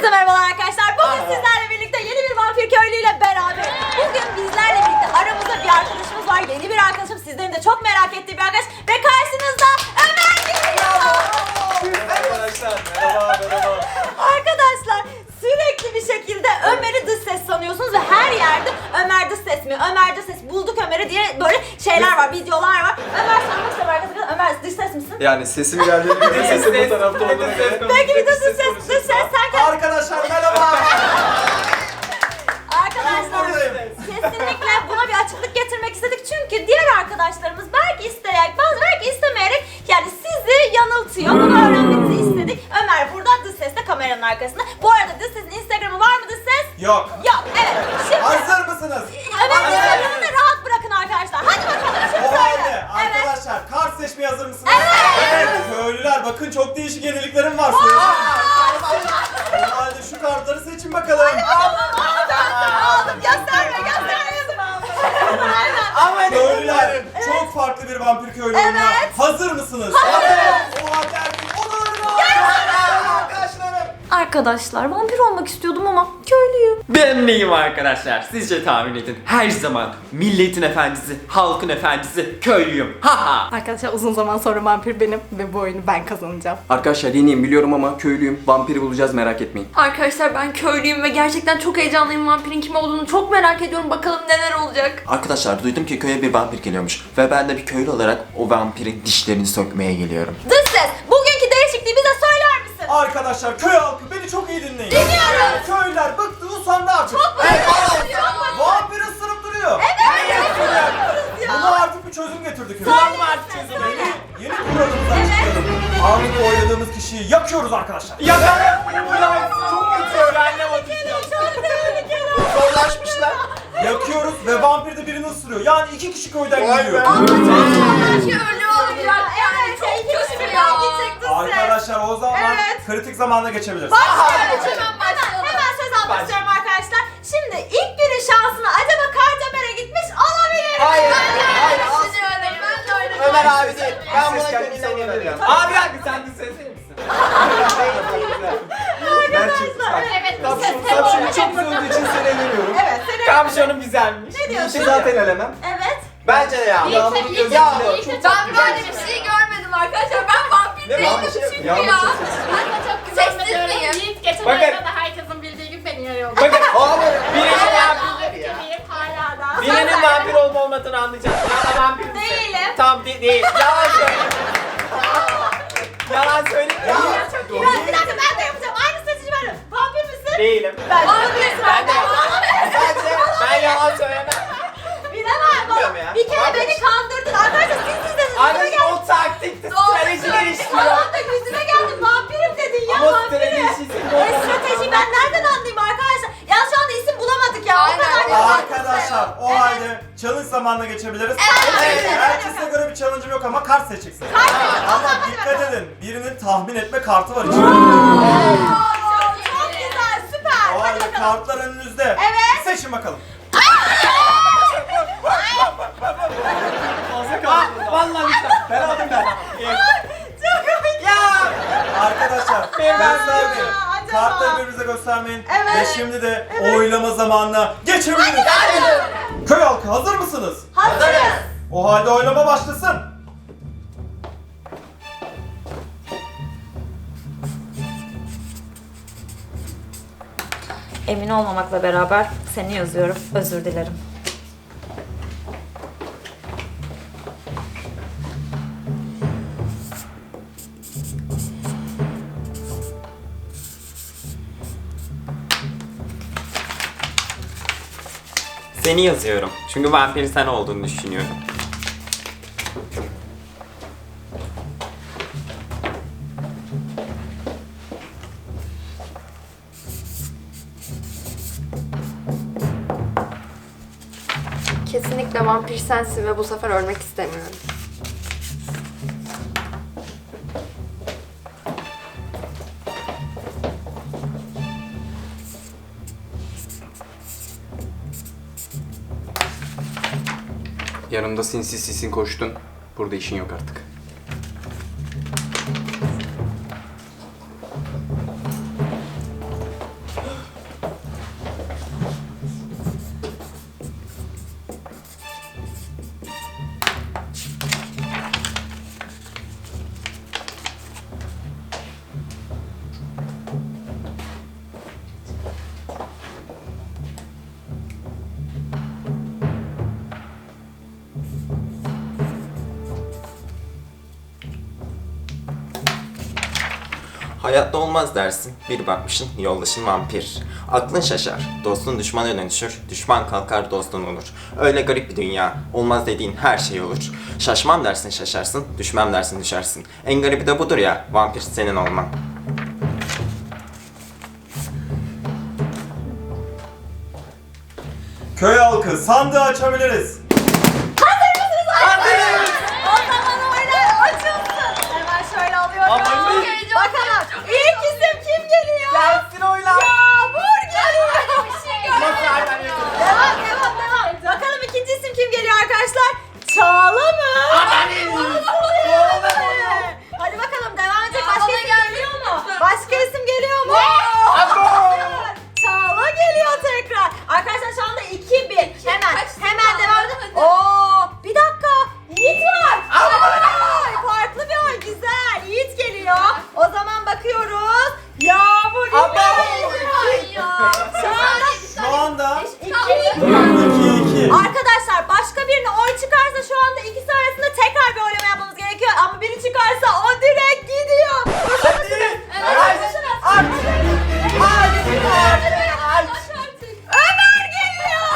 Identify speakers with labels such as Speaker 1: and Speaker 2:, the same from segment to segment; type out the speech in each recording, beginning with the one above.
Speaker 1: Hepinize merhabalar arkadaşlar. Bugün sizlerle birlikte yeni bir vampir köylüyle beraber. Bugün bizlerle birlikte aramızda bir arkadaşımız var. Yeni bir arkadaşım. Sizlerin de çok merak ettiği bir arkadaş. Ve karşınızda Ömer geliyor.
Speaker 2: Arkadaşlar merhaba.
Speaker 1: Arkadaşlar sürekli bir şekilde Ömer'i dış ses sanıyorsunuz ve her yerde Ömer dış ses mi? Ömer dış ses bulduk Ömer'i diye böyle şeyler var, videolar var. Ömer sormak istiyorum arkadaşlar. Ömer dış ses misin?
Speaker 2: Yani sesim geldiğini biliyorum. Sesim bu tarafta olduğunu biliyorum.
Speaker 1: Peki bir dış ses sen kendin.
Speaker 2: Arkadaşlar merhaba.
Speaker 1: Arkadaşlar kesinlikle buna bir açıklık getirmek istedik çünkü diğer arkadaşlarımız belki isteyerek belki istemeyerek yani sizi yanıltıyor. Bunu öğrenmenizi istedik. Ömer burada dış sesle kameranın arkasında. Bu arada dış sesin Instagram'ı var mı dış ses?
Speaker 2: Yok.
Speaker 1: Yok, evet. Şimdi
Speaker 2: Hazır mısınız?
Speaker 1: Ömer'in Instagram'ını da rahat bırakın arkadaşlar. Hadi bakalım şimdi
Speaker 2: O
Speaker 1: söyle.
Speaker 2: halde
Speaker 1: Evet.
Speaker 2: arkadaşlar kart seçmeye hazır mısınız?
Speaker 1: Evet.
Speaker 2: Köylüler bakın çok değişik yeniliklerim var. O halde şu kartları seçin bakalım.
Speaker 1: Aldım. Gösterme. Aynen.
Speaker 2: Köylüler çok farklı bir vampir köylü oyununa
Speaker 1: Evet.
Speaker 2: hazır mısınız?
Speaker 1: Hazırız.
Speaker 2: O halde erkek odalarına. Arkadaşlarım.
Speaker 1: Arkadaşlar vampir olmak istiyordum ama köylüyüm.
Speaker 3: Ben neyim arkadaşlar? Sizce tahmin edin. Her zaman milletin efendisi, halkın efendisi, köylüyüm. Haha.
Speaker 4: Arkadaşlar uzun zaman sonra vampir benim ve bu oyunu ben kazanacağım.
Speaker 5: Arkadaşlar yeniyim biliyorum ama köylüyüm. Vampiri bulacağız merak etmeyin.
Speaker 6: Arkadaşlar ben köylüyüm ve gerçekten çok heyecanlıyım. Vampirin kim olduğunu çok merak ediyorum. Bakalım neler olacak.
Speaker 5: Arkadaşlar duydum ki köye bir vampir geliyormuş. Ve ben de bir köylü olarak o vampirin dişlerini sökmeye geliyorum.
Speaker 1: Dış ses bugünkü değişikliği bize söyler misin?
Speaker 2: Arkadaşlar köy halkı beni çok iyi dinleyin.
Speaker 1: Dinliyoruz.
Speaker 2: Köylüler bıktı usandı artık. Vampir ısırıp duruyor. Buna artık bir çözüm getirdik. Yeni kuralımızdan çıkıyorum. Anında oynadığımız kişiyi yakıyoruz arkadaşlar.
Speaker 5: Zorlaşmışlar.
Speaker 2: Yakıyoruz ve vampir de birini ısırıyor. Yani iki kişi köyden gidiyor.
Speaker 6: Köylü olacak.
Speaker 1: Evet,
Speaker 6: Çok kötü ya.
Speaker 2: Arkadaşlar o zaman
Speaker 1: Evet.
Speaker 2: kritik zamanda geçebiliriz.
Speaker 1: Hemen söz almak istiyorum arkadaşlar. Şimdi ilk günün şansına acaba Kardemir'e gitmiş olabilir mi?
Speaker 5: Hayır.
Speaker 6: Ben
Speaker 5: Ömer abi değil. Ben buna köylüyüm.
Speaker 3: Abi abi sen de sesli misin?
Speaker 6: Evet,
Speaker 5: Kapşonu çok güzel olduğu için seni elemiyorum.
Speaker 1: Evet, seni
Speaker 3: Kamşonum güzelmiş.
Speaker 1: ne diyorsun?
Speaker 5: İşi zaten elemem.
Speaker 1: Evet.
Speaker 5: Bence de ya.
Speaker 6: Ben böyle bir şey görmedim arkadaşlar. Ben vampir değilim çünkü ya. Sessiz miyim?
Speaker 7: Yiğit geçen
Speaker 3: Bakın.
Speaker 7: ayda da herkesin bildiği gibi beni yarıyordu.
Speaker 3: Bakın
Speaker 5: Abi.
Speaker 7: Gibiyim hala da.
Speaker 3: birinin vampir olma olmadığını anlayacağım. Ya da vampir misin?
Speaker 1: Değilim.
Speaker 3: Tam değil. Yalan söyle. Yalan söyle.
Speaker 1: Bir dakika ben de yapacağım. Aynı seçici benim. Vampir misin?
Speaker 3: Değilim.
Speaker 1: Ben vampirsin.
Speaker 3: Ben de ben yalan söylemem.
Speaker 1: Bilemem.
Speaker 3: Bilmiyorum ya.
Speaker 1: Bir kere beni kandırdın. Arkadaşlar siz dediniz.
Speaker 3: Anneciğim o taktikti. Stratejiler işliyor.
Speaker 1: Tamam da yüzüme geldin. Vampirim dedin ya.
Speaker 3: Ama
Speaker 1: Vampirim.
Speaker 3: stratejisi
Speaker 1: Strateji ben nereden anlayayım arkadaşlar? Ya şu anda isim bulamadık ya. O kadar
Speaker 2: Arkadaşlar o halde challenge zamanına geçebiliriz. Herkese göre bir challenge'ım yok ama kart seçeceksiniz. Ama dikkat edin. Birinin tahmin etme kartı var içinde.
Speaker 1: Çok güzel. Süper.
Speaker 2: O
Speaker 1: Hadi
Speaker 2: halde
Speaker 1: bakalım.
Speaker 2: kartlar önünüzde.
Speaker 1: Evet.
Speaker 2: Seçin bakalım.
Speaker 3: Vallahi ben aldım ben.
Speaker 1: Çok komik.
Speaker 3: Ya.
Speaker 2: Arkadaşlar
Speaker 3: Ben
Speaker 2: göstermeyin.
Speaker 1: acaba?
Speaker 2: Kartları birbirinize göstermeyin.
Speaker 1: Evet.
Speaker 2: Ve şimdi de oylama zamanına geçebiliriz. Köy halkı hazır mısınız?
Speaker 1: Hazırız.
Speaker 2: O halde oylama başlasın.
Speaker 1: Emin olmamakla beraber seni yazıyorum. Özür dilerim.
Speaker 3: Seni yazıyorum. Çünkü vampir sen olduğunu düşünüyorum.
Speaker 6: Kesinlikle vampir sensin ve bu sefer ölmek istemiyorum.
Speaker 5: Yanımda sinsi sisin koştun. Burada işin yok artık. Hayatta olmaz dersin, bir bakmışsın yoldaşın vampir. Aklın şaşar, dostun düşmana dönüşür, düşman kalkar dostun olur. Öyle garip bir dünya, olmaz dediğin her şey olur. Şaşmam dersin şaşarsın, düşmem dersin düşersin. En garibi de budur ya, vampir senin olman.
Speaker 2: Köy halkı, sandığı açabiliriz.
Speaker 1: O zaman oylar açılsın. Hemen şöyle alıyorum.
Speaker 2: Aman be.
Speaker 1: Bakalım ilk isim kim geliyor?
Speaker 2: Gelsin oylar.
Speaker 1: Yağmur geliyor.
Speaker 6: Bir şey görmedim.
Speaker 1: Devam. Bakalım ikinci isim kim geliyor arkadaşlar? Çağla mı? Hadi bakalım devam edecek.
Speaker 6: Ya,
Speaker 1: Başka
Speaker 6: bana
Speaker 1: isim
Speaker 6: gelmedi
Speaker 1: geliyor mu?
Speaker 6: lütfen.
Speaker 1: Başka isim geliyor mu? Çağla geliyor tekrar. Arkadaşlar şu anda 2-1. Hemen devam edelim.
Speaker 6: Hadi.
Speaker 1: Oo, bir dakika. Yiğit var. Ay, farklı bir oy. Güzel. Yiğit geliyor. O zaman bakıyoruz. Yağmur
Speaker 2: Şu anda
Speaker 1: İki.
Speaker 2: 2-2.
Speaker 1: Arkadaşlar başka birine oy çıkarsa şu anda ikisi arasında tekrar bir oylama yapmamız gerekiyor. Ama biri çıkarsa o direkt gidiyor. Ömer geliyor.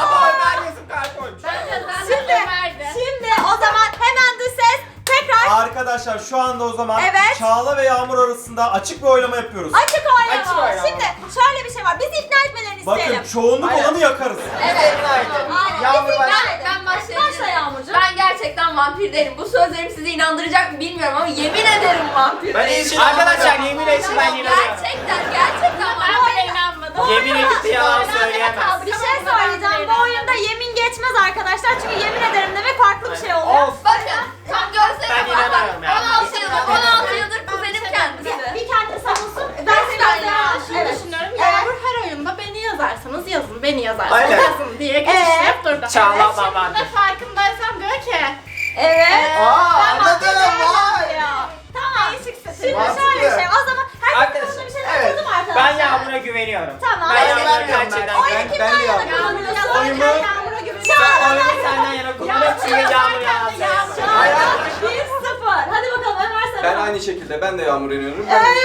Speaker 1: Şimdi o zaman hemen dış ses tekrar
Speaker 2: Arkadaşlar şu anda o zaman
Speaker 1: Evet.
Speaker 2: Çağla ve Yağmur arasında açık bir oylama yapıyoruz.
Speaker 1: açık oylama. Şimdi şöyle bir şey var. Bizi ikna etmelerini isteyelim.
Speaker 2: Bakın çoğunluk olanı yakarız.
Speaker 1: Evet.
Speaker 5: Yağmur
Speaker 1: Bizi
Speaker 5: başla.
Speaker 1: ikna edelim.
Speaker 6: Ben başlayayım.
Speaker 1: Başla Yağmurcuğum.
Speaker 6: Ben gerçekten vampir değilim. Bu sözlerim sizi inandıracak mı bilmiyorum ama yemin ederim vampir değilim.
Speaker 5: Arkadaşlar yemin etsin ben
Speaker 6: Gerçekten
Speaker 7: Ben
Speaker 6: vampir.
Speaker 7: bile inanmadım.
Speaker 5: Yemin edip de yalan söyleyemez.
Speaker 1: Bir şey söyleyeceğim. Bu oyunda yemin geçmez arkadaşlar. Çünkü yemin ederim demek farklı bir şey oluyor.
Speaker 6: Bakın tam görsene.
Speaker 5: Ben inanamıyorum ya.
Speaker 6: 16 yıldır kuzenim kendisi.
Speaker 1: Bir kendini savunsun. Ben seni
Speaker 7: Ben
Speaker 1: öldüremem.
Speaker 7: şunu
Speaker 1: Evet.
Speaker 7: düşünüyorum.
Speaker 1: Evet.
Speaker 7: Yağmur her oyunda beni yazarsanız yazın, beni yazarsanız
Speaker 5: Aynen.
Speaker 7: yazın diye geçiştirip durdu.
Speaker 5: Çağla
Speaker 7: Evet,
Speaker 5: baba.
Speaker 7: şimdi de farkındaysan diyor ki
Speaker 1: Evet.
Speaker 5: Anladım, vay.
Speaker 1: Tamam. Şimdi
Speaker 5: Mantıklı.
Speaker 1: şöyle bir şey. O zaman herkes
Speaker 5: Arkadaşlar,
Speaker 1: konusunda bir şeyler
Speaker 5: evet.
Speaker 1: buldum arkadaşlar.
Speaker 3: Ben Yağmur'a güveniyorum.
Speaker 1: Tamam.
Speaker 3: Ben
Speaker 1: Oyunu
Speaker 3: Yağmur'a gerçekten
Speaker 1: kimden yana kullanıyorsun?
Speaker 2: Oyumu-
Speaker 1: Yağmur'a güveniyorum.
Speaker 3: Sen oyunu senden yana kullanıp çünkü Yağmur yalan söyleyemez.
Speaker 1: Şu anda 1-0. Hadi bakalım Ömer sana.
Speaker 8: Ben aynı şekilde ben de Yağmur'a inanıyorum.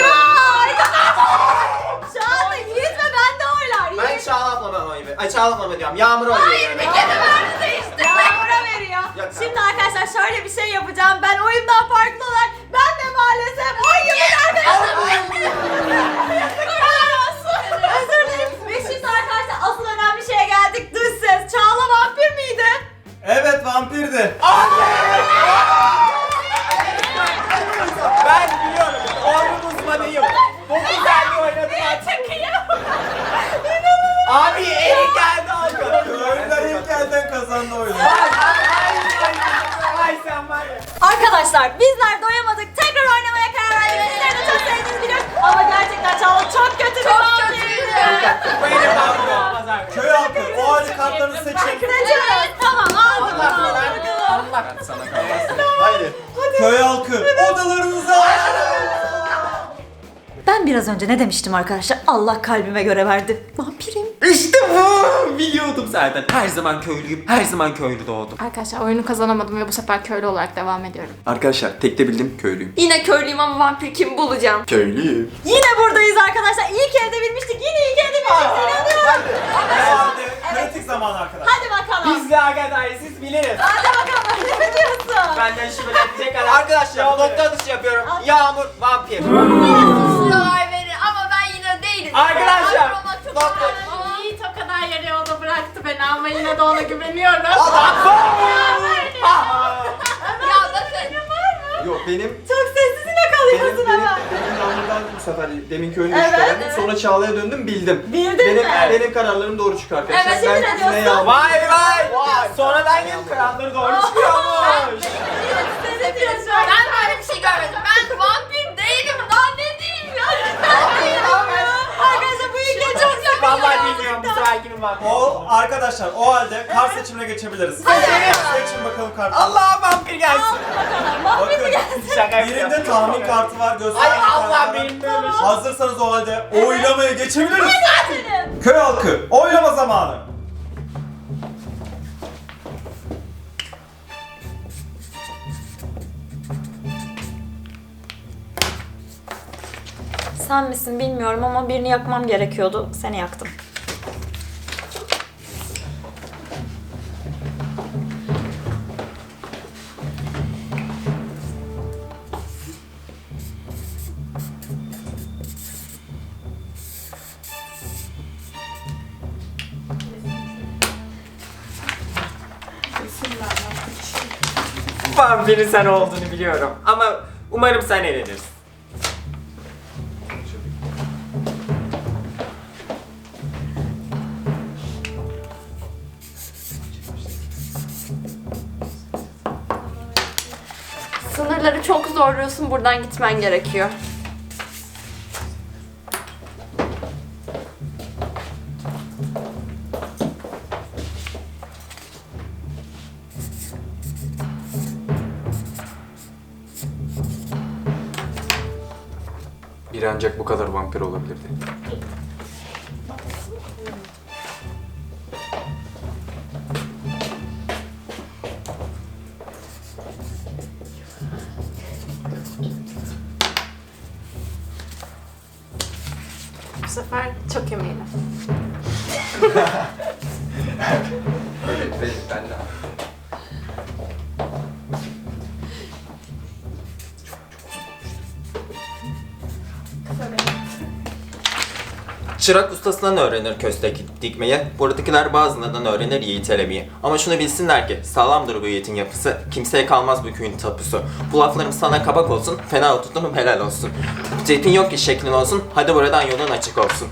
Speaker 1: Şu anda Yiğit ve ben de oylar.
Speaker 5: Ben
Speaker 1: Yiğit
Speaker 5: Çağla ablama oy ver. Ay Çağla ablama diyorum. Yağmur'a oy veriyorum.
Speaker 1: Yağmur'a veriyor.
Speaker 5: Yok,
Speaker 1: Şimdi arkadaşlar şöyle bir şey yapacağım. Ben oyundan farklı olarak ben de maalesef oy gibi Özür dilerim. Ve şimdi arkadaşlar asıl önemli şeye geldik. Dış ses. Çağla vampir miydi?
Speaker 2: Evet vampirdi.
Speaker 3: Ben biliyorum. Oyunun uzmanıyım. 9 elli oynadım artık. Abi Erik geldi aldı.
Speaker 2: Köylüler ilk elden kazandı oyunu.
Speaker 3: Ay sen var ya.
Speaker 1: Arkadaşlar bizler doyamadık. Tekrar oynamaya karar verdik. Sizleri de çok sevdiğinizi biliyorum. Ama gerçekten Çağla çok kötü bir vampirdi.
Speaker 3: Bu Erik abi olmaz abi.
Speaker 2: Köy halkı o halde kartlarını seçin.
Speaker 1: Seçiyoruz. Tamam aldım.
Speaker 3: Allah sana kalmasın.
Speaker 5: Haydi.
Speaker 2: Köy halkı odalarınıza.
Speaker 1: Ben biraz önce ne demiştim arkadaşlar? Allah kalbime göre verdi. Vampirim.
Speaker 3: İşte bu. Biliyordum zaten. Her zaman köylüyüm. Her zaman köylü doğdum.
Speaker 4: Arkadaşlar oyunu kazanamadım ve bu sefer köylü olarak devam ediyorum.
Speaker 8: Arkadaşlar tek de bildim köylüyüm.
Speaker 6: Yine köylüyüm ama vampir kim bulacağım?
Speaker 8: Köylüyüm.
Speaker 1: Yine buradayız arkadaşlar. İlk elde bilmiştik. Yine ilk elde bilmiştik. İnanıyorum.
Speaker 2: O halde kritik zaman arkadaşlar.
Speaker 1: Hadi bakalım.
Speaker 3: Biz de arkadaşlar siz biliriz.
Speaker 1: Hadi bakalım. Ne diyorsun?
Speaker 3: Benden şüphelenecek kadar.
Speaker 5: Arkadaşlar nokta atışı yapıyorum. Yağmur vampir.
Speaker 6: Sıralar verir ama ben yine değilim.
Speaker 3: Arkadaşlar,
Speaker 6: Vampir olmak çok zor.
Speaker 7: Yiğit o kadar yarı yolda bıraktı beni ama yine de ona güveniyorum.
Speaker 6: Ya bakın.
Speaker 8: Yok benim
Speaker 1: Çok sessiz yine kalıyorsun ama.
Speaker 8: benim Yağmur'dan bu sefer demin köylüyü
Speaker 1: Evet,
Speaker 8: şüphelendim.
Speaker 1: evet.
Speaker 8: Sonra Çağla'ya döndüm bildim.
Speaker 1: Bildin mi?
Speaker 8: Benim kararlarım doğru çıkıyor arkadaşlar.
Speaker 1: Evet, yemin
Speaker 8: ben
Speaker 1: ediyorsun.
Speaker 8: yine Yağmur.
Speaker 3: Vay vay. Sonradan gelip kralları doğru çıkıyormuş.
Speaker 1: Ne diyorsun?
Speaker 6: Ben böyle bir şey görmedim. Ben vampir değilim. Daha ne diyeyim ya?
Speaker 1: Arkadaşlar bu ilk el çok yakın.
Speaker 3: Vallahi bilmiyorum bu sefer kimin var.
Speaker 2: O arkadaşlar o halde kart seçimine geçebiliriz. Seçin bakalım kartı.
Speaker 3: Allah vampir gelsin.
Speaker 1: Vampir mi
Speaker 2: Bakın
Speaker 1: gelsin?
Speaker 3: Şaka yapıyorum.
Speaker 2: birinde tahmin kartı var
Speaker 3: Ay
Speaker 2: gösterge
Speaker 3: Allah
Speaker 2: kartı var.
Speaker 3: benim böyle şey.
Speaker 2: Hazırsanız o halde oylamaya geçebiliriz.
Speaker 1: Senin.
Speaker 2: Köy halkı oylama zamanı.
Speaker 1: sen misin bilmiyorum ama birini yakmam gerekiyordu. Seni yaktım.
Speaker 3: Vampirin sen olduğunu biliyorum ama umarım sen elenirsin.
Speaker 6: Sınırları çok zorluyorsun. Buradan gitmen gerekiyor.
Speaker 8: Biri ancak bu kadar vampir olabilirdi.
Speaker 4: Bu sefer çok eminim.
Speaker 8: Evet, ben de.
Speaker 5: Çırak ustasından öğrenir köstek dikmeyi, buradakiler bazılarından öğrenir yiğit elemeyi. Ama şunu bilsinler ki sağlamdır bu yiğitin yapısı, kimseye kalmaz bu köyün tapusu. Bu laflarım sana kabak olsun, fena tutunum helal olsun. Cepin yok ki şeklin olsun, hadi buradan yolun açık olsun.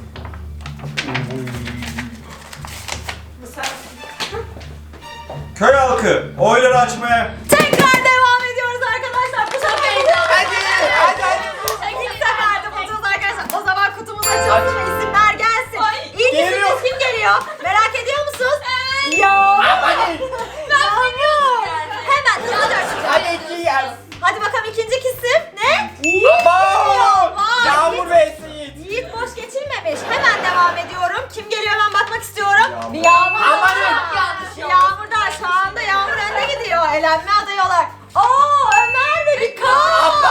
Speaker 2: Köy halkı oyları açmaya.
Speaker 1: Tekrar devam ediyoruz arkadaşlar. Bu sefer hadi. İlk seferde bulacağız arkadaşlar. O zaman kutumuz açılsın ve isimler gelsin. İlk isimimiz kim geliyor? Merak ediyor musunuz? Yağmur. Yağmur. Hemen hızlıca açacağız. Hadi bakalım ikinci isim ne?
Speaker 3: Yağmur ve Yiğit.
Speaker 1: Yiğit boş geçirmemiş. Hemen devam ediyorum. Kim geliyor hemen bakmak istiyorum. Bir Yağmur. Yağmur da şu anda Yağmur önde gidiyor. Elenme adıyorlar. Oo Ömer ve bir Kaan.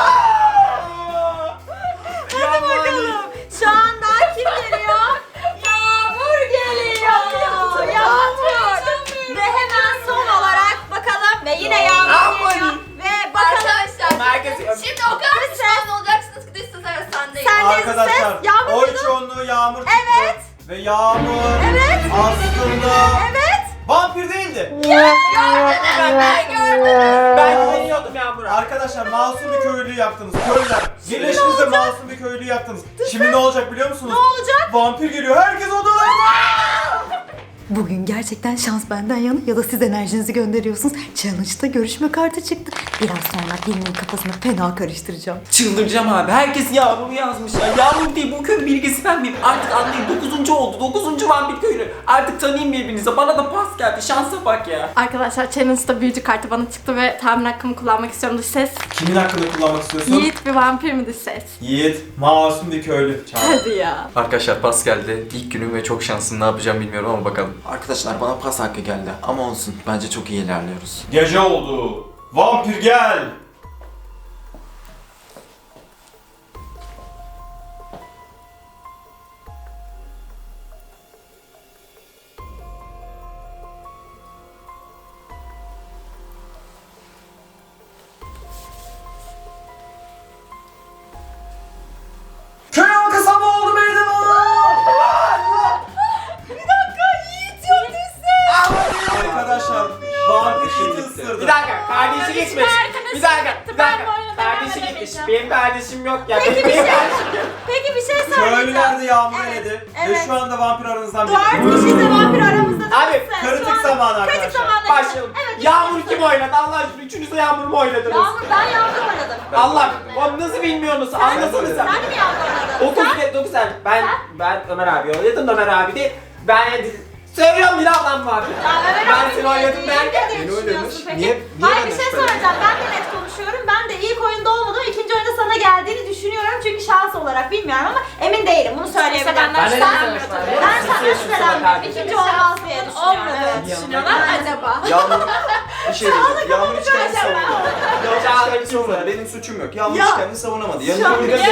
Speaker 1: Hadi bakalım. Şu anda kim geliyor? Yağmur geliyor. Yağmur. Ve hemen son olarak bakalım ve yine Yağmur geliyor. Ve bakalım.
Speaker 6: Arkadaşlar. Şimdi o kadar pişman olacaksınız ki dış ses arasındayım.
Speaker 1: Sen de
Speaker 2: Arkadaşlar
Speaker 1: ses. Yağmur
Speaker 2: oy
Speaker 1: muydu?
Speaker 2: çoğunluğu Yağmur çıktı.
Speaker 1: Evet.
Speaker 2: Ve Yağmur
Speaker 1: Evet.
Speaker 2: aslında
Speaker 1: Evet.
Speaker 2: vampir değildi.
Speaker 6: Ben gördüm.
Speaker 3: Ben güveniyordum Yağmur'a.
Speaker 2: Arkadaşlar masum bir köylüyü yaktınız. Köylüler. Birleştiniz de masum bir köylüyü yaktınız. Şimdi ne olacak biliyor musunuz?
Speaker 1: Ne olacak?
Speaker 2: Vampir geliyor. Herkes odalarına.
Speaker 9: Bugün gerçekten şans benden yana ya da siz enerjinizi gönderiyorsunuz. Challenge'da görüşme kartı çıktı. Biraz sonra birinin kafasını fena karıştıracağım.
Speaker 3: Çıldıracağım abi. Herkes Yağmur'u yazmış ya. Yağmur değil, bu köyün bilgisi ben miyim? Artık anlayın, 9. oldu. 9. vampir köylü. Artık tanıyın birbirinize. Bana da pas geldi. Şansa bak ya.
Speaker 4: Arkadaşlar challenge'da büyücü kartı bana çıktı ve tahmin hakkımı kullanmak istiyorum dış ses.
Speaker 2: Kimin hakkında kullanmak istiyorsun?
Speaker 4: Yiğit bir vampir mi dış ses?
Speaker 2: Yiğit. Masum bir köylü. Çağır.
Speaker 4: Hadi ya.
Speaker 8: Arkadaşlar pas geldi. İlk günüm ve çok şanslıyım. Ne yapacağım bilmiyorum ama bakalım.
Speaker 5: Arkadaşlar bana pas hakkı geldi ama olsun, bence çok iyi ilerliyoruz.
Speaker 2: Gece oldu. Vampir gel. Köy halkı sabah oldu meydan Arkadaşlar vampir Yiğit'i ısırdı.
Speaker 3: Bir dakika, kardeşi gitmiş. Bir dakika. Kardeşi gitmiş. Benim kardeşim yok ya.
Speaker 1: Peki bir
Speaker 3: Benim
Speaker 1: şey.
Speaker 3: kardeşim yok.
Speaker 1: Peki bir şey söyleyeceğim.
Speaker 2: Köylüler de Yağmur
Speaker 1: Evet,
Speaker 2: eledi ve
Speaker 1: evet.
Speaker 2: şu anda vampir aranızdan biri.
Speaker 1: 4 kişi de vampir aramızda değil
Speaker 3: Abi,
Speaker 1: mi? Şu
Speaker 2: kritik
Speaker 1: an-
Speaker 2: zamanı arkadaşlar.
Speaker 1: Kritik zamanı.
Speaker 3: Başlayalım.
Speaker 1: Evet.
Speaker 3: Yağmur kim oynadı? Allah aşkına üçünüz de Yağmur mu oynadınız?
Speaker 1: Ben Yağmur oynadım.
Speaker 3: Allah, onu nasıl bilmiyorsunuz? Anlasana sen.
Speaker 1: Sen de mi Yağmur oynadın?
Speaker 3: 9 sen. Ben Ömer abi oynadım. Ömer abi de ben söylüyorum bir ablam var. Ben seni oynadım derken.
Speaker 2: Beni oynamış.
Speaker 8: Niye
Speaker 1: Hayır bir
Speaker 8: benden
Speaker 1: şey
Speaker 8: şüphelendin?
Speaker 1: söyleyeceğim. Ben de net konuşuyorum. Ben de ilk oyunda olmadım. İkinci oyunda sana geldiğini düşünüyorum. Çünkü şans olarak bilmiyorum ama emin değilim. Bunu söyleyebilirim.
Speaker 4: benden
Speaker 1: Sen-
Speaker 4: şüphelenmiyor tabii.
Speaker 1: Ben senden şüphelenmiyorum. İkinci olmaz diye düşünüyorum.
Speaker 6: Olmadığını düşünüyorlar acaba.
Speaker 8: Yağmur,
Speaker 2: Bir şey diyeceğim. Yağmur hiç kendini savunamadı. Yağmur hiç kendini savunamadı. Benim suçum yok. Yağmur hiç kendini savunamadı. Yanında bir kere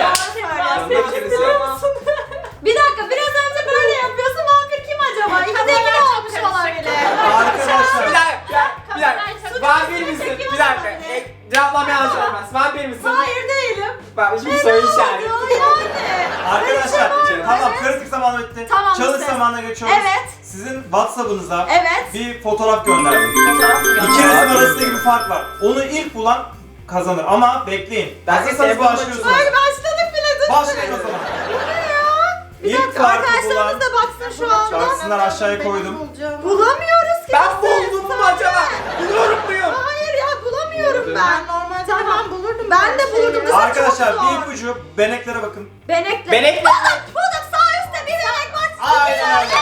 Speaker 1: Bir dakika, biraz önce böyle yapıyorsun. Vampir kim acaba? İkide ikide olmuş olabilir.
Speaker 2: Arkadaşlar.
Speaker 3: Bir dakika. Vampir misin? Bir dakika. Cevaplamaya hazır olmaz. Vampir misin?
Speaker 1: Hayır değilim.
Speaker 3: Bak şimdi soru işareti.
Speaker 1: Yani.
Speaker 2: Arkadaşlar tamam kritik zamanı bitti.
Speaker 1: Tamam,
Speaker 2: Çalış
Speaker 1: bitti.
Speaker 2: zamanına geçiyoruz.
Speaker 1: Evet.
Speaker 2: Sizin WhatsApp'ınıza
Speaker 1: Evet.
Speaker 2: bir fotoğraf gönderdim. İkinizin arasında bir fark var. Onu ilk bulan kazanır ama bekleyin. Hazırsanız başlıyorsunuz.
Speaker 1: Ay başladık bile dur.
Speaker 2: Başlayın o zaman.
Speaker 1: Bir
Speaker 2: İlk
Speaker 1: dakika
Speaker 2: farkı
Speaker 1: arkadaşlarımız
Speaker 2: bulan
Speaker 1: da baksın şu anda.
Speaker 2: şarkısından aşağıya koydum.
Speaker 1: Bulamıyoruz ki.
Speaker 3: Ben buldum mu acaba? Buluyorum muyum?
Speaker 1: Hayır ya bulamıyorum ben. Normalde tamam bulurdum. Ben de bulurdum. Kızım
Speaker 2: Arkadaşlar
Speaker 1: çok zor.
Speaker 2: bir ipucu beneklere bakın.
Speaker 1: Benekle.
Speaker 3: Benek.
Speaker 1: Bulduk sağ üstte bir benek var.
Speaker 2: Aynen öyle.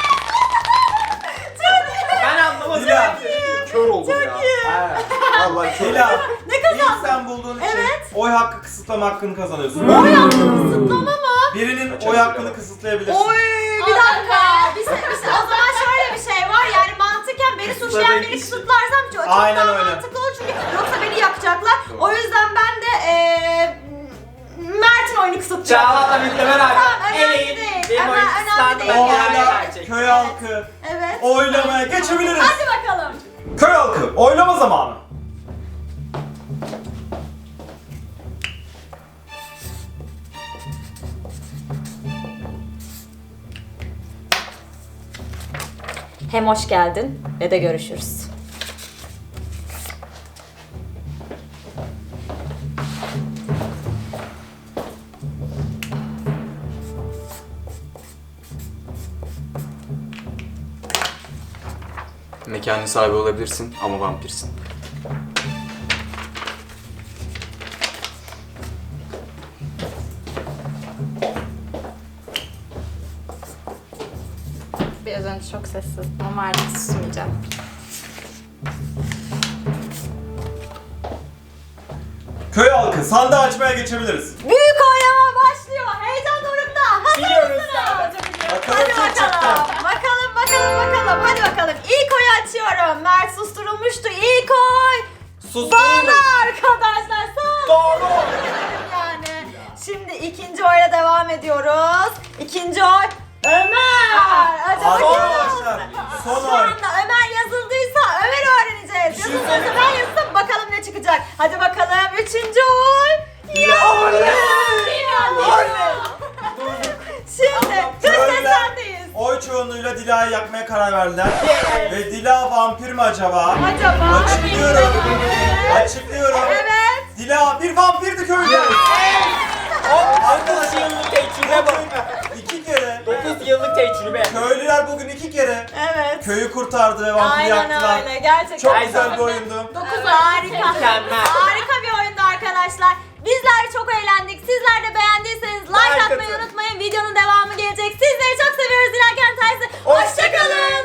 Speaker 3: Ben anlamadım.
Speaker 2: Dila.
Speaker 3: Kör oldum ya.
Speaker 2: Vallahi Dila.
Speaker 1: Ne
Speaker 2: İlk
Speaker 1: kazandın?
Speaker 2: sen bulduğun için
Speaker 1: Evet.
Speaker 2: oy hakkı kısıtlama hakkını kazanıyorsun.
Speaker 1: Oy hakkını kısıtlama mı?
Speaker 2: Birinin oy hakkını kısıtlayabilirsin.
Speaker 1: Oy bir dakika. O zaman şöyle bir şey var yani mantıken beni suçlayan biri kısıtlarsam çok
Speaker 2: Aynen
Speaker 1: daha
Speaker 2: öyle.
Speaker 1: mantıklı olur çünkü yoksa beni yakacaklar. O yüzden ben de Mert'in oyunu kısıtlayacağım.
Speaker 3: Çağla'la birlikte beraber.
Speaker 1: Tamam, önemli
Speaker 3: Evet.
Speaker 1: değil.
Speaker 3: Benim
Speaker 1: Ama
Speaker 3: oyun
Speaker 1: önemli değil.
Speaker 2: Oyla
Speaker 3: gerçek.
Speaker 2: köy halkı
Speaker 1: Evet.
Speaker 2: oylamaya geçebiliriz.
Speaker 1: Hadi bakalım.
Speaker 2: Köy halkı oylama zamanı.
Speaker 1: Hem hoş geldin ve de görüşürüz.
Speaker 8: Mekanın sahibi olabilirsin ama vampirsin.
Speaker 4: Biraz önce çok sessiz ama artık susmayacağım.
Speaker 2: Köy halkı sandığı açmaya geçebiliriz.
Speaker 1: Büyük oylama başlıyor. Heyecan dorukta. Hazır
Speaker 3: Biliyoruz
Speaker 1: mısınız?
Speaker 2: Bakalım
Speaker 1: Hadi
Speaker 2: kim çıktı.
Speaker 1: bakalım. Hadi bakalım. İlk oyu açıyorum. Mert susturulmuştu. İlk oy. Bana arkadaşlar. Sağ
Speaker 3: Doğru.
Speaker 1: yani. Şimdi ikinci oyla devam ediyoruz. İkinci oy. Ömer. Acaba kim
Speaker 2: Arkadaşlar
Speaker 1: oldu?
Speaker 2: son
Speaker 1: Şu
Speaker 2: oy.
Speaker 1: anda Ömer yazıldıysa Ömer öğreneceğiz.
Speaker 2: şey
Speaker 1: Yazıldıysa ben yazsam bakalım ne çıkacak. Hadi bakalım. Üçüncü oy. Şimdi dış
Speaker 2: Köylüler
Speaker 1: seslendeyiz.
Speaker 2: oy çoğunluğuyla Dila'yı yakmaya karar verdiler. Ve Dila vampir mi acaba?
Speaker 1: Acaba?
Speaker 2: Açıklıyorum.
Speaker 1: Evet.
Speaker 2: Açıklıyorum.
Speaker 1: Evet.
Speaker 2: Dila bir vampirdi köylü.
Speaker 3: Arkadaş yıllık tecrübe bak.
Speaker 2: İki kere.
Speaker 3: 9 yıllık tecrübe.
Speaker 2: Köylüler bugün iki kere
Speaker 1: Evet.
Speaker 2: köyü kurtardı ve vampiri
Speaker 1: Aynen
Speaker 2: yaktılar.
Speaker 1: öyle. Gerçekten.
Speaker 2: Çok güzel bir oyundu.
Speaker 1: 9 harika.
Speaker 3: Mükemmel.
Speaker 1: Harika bir oyundu arkadaşlar. Bizler çok eğlendik. Sizler de beğendiyseniz like atmayı unutmayın. Videonun devamı gelecek. Sizleri çok seviyoruz. Dilerken Tersi. Hoşçakalın.